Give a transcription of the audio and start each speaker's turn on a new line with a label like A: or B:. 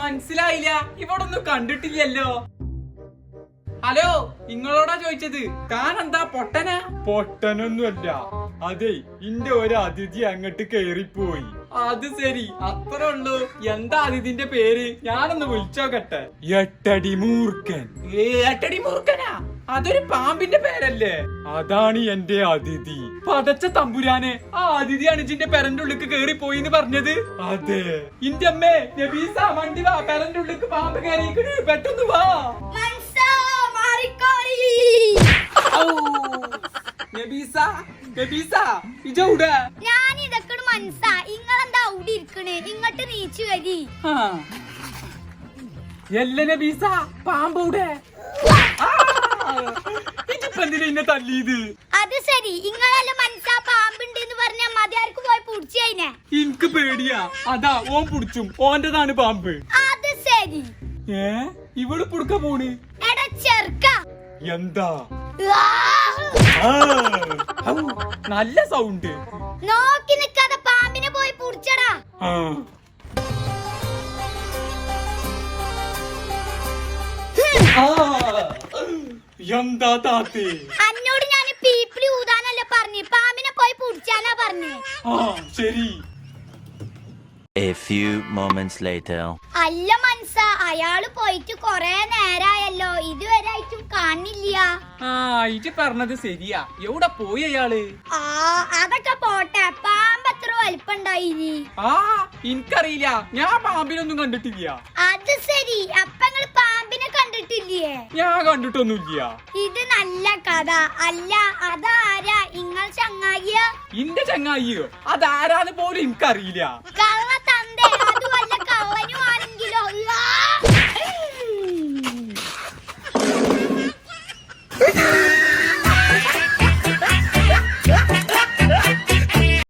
A: മനസ്സിലായില്ല, ഇവിടെ ഒന്നും കണ്ടിട്ടില്ലല്ലോ. ഹലോ, നിങ്ങളോടാ ചോദിച്ചത്. കാനെന്താ പൊട്ടനാ? പൊട്ടനൊന്നുമല്ല, അതെ ഇന്റെ ഒരു അതിഥി അങ്ങോട്ട് കേറിപ്പോയി. അത് ശരി, അത്രേ ഉള്ളൂ. എന്താ അതിഥിന്റെ പേര്? ഞാനൊന്ന് വിളിച്ചോക്കട്ടെ. എട്ടടി മൂർഖൻ. എട്ടടി മൂർഖനാ? അതൊരു പാമ്പിന്റെ പേരല്ലേ? അതാണ് എന്റെ അതിഥി. പടച്ച തമ്പുരാനെ, ആ അതിഥിയാണ് ഇജിന്റെ പെരന്റെ ഉള്ളിക്ക് കേറി പോയിന്ന് പറഞ്ഞത്. അതെ ഇന്റെ അമ്മേ, നബീസ വണ്ടി വാ, പെരന്റെ ഉള്ളിക്ക് പാമ്പ് കയറിയിരിക്കണ്, പെട്ടെന്ന് വാ. നബീസ, നബീസ ഇജൗടെ?
B: ഞാൻ ഇതൊക്കെ മനസ്സാ. ഇങ്ങളെന്താ അവിടെ ഇരിക്കണേ? ഇങ്ങോട്ട് നീച്ചു വരി.
A: എല്ല നബീസ, പാമ്പൂടെ? ഇതിപ്പെന്തിനാ ഇന്നെ തല്ലിയത്?
B: അത് ശരി, ഇങ്ങളെല്ലാം മനസ്സാ പാമ്പുണ്ട് എന്ന് പറഞ്ഞ മതിയാർക്ക് പോയി പുടിച്ചതിനെ.
A: എനിക്ക് പേടിയാ, അതാ ഓൻ പുടിച്ചും. ഓന്റെതാണ് പാമ്പ്.
B: അത് ശരി.
A: ഇവള് പുടുക്ക പോണ്.
B: എടാ ചെറുക്ക,
A: എന്താ നല്ല സൗണ്ട്?
B: നോക്കി നിക്കാതെ പാമ്പിനെ പോയി പുടിച്ചടാ.
A: എന്താ താത്തേ?
B: അന്നോട് ഞാൻ പീപ്പിളി ഊതാനല്ല പറഞ്ഞു, പാമ്പിനെ പോയി പുടിച്ചാനാ പറഞ്ഞേ.
A: ശരി.
C: A few moments later.
B: അല്ല മനസ്സ, അയാള് പോയിട്ട് കൊറേ നേരായല്ലോ, ഇതുവരെ ആയിട്ടും കാണില്ല.
A: ഇജ്ജ് പറഞ്ഞത് ശരിയാ. എവിടെ പോയി അയാള്?
B: അതൊക്കെ പോട്ടെ, പാമ്പ് എത്ര വലിപ്പുണ്ടായിനി?
A: എനിക്കറിയില്ല, ഞാൻ പാമ്പിനൊന്നും കണ്ടിട്ടില്ല.
B: അത് ശരി, അപ്പൊ നിങ്ങൾ പാമ്പിനെ കണ്ടിട്ടില്ലേ?
A: ഞാൻ കണ്ടിട്ടൊന്നുമില്ല.
B: ഇത് നല്ല കഥ. അല്ല, അതാരാ? ഇങ്ങൾ ചങ്ങായിയാ?
A: ഇന്റെ ചങ്ങായിയോ? അതാരാന്ന് പോലും എനിക്കറിയില്ല.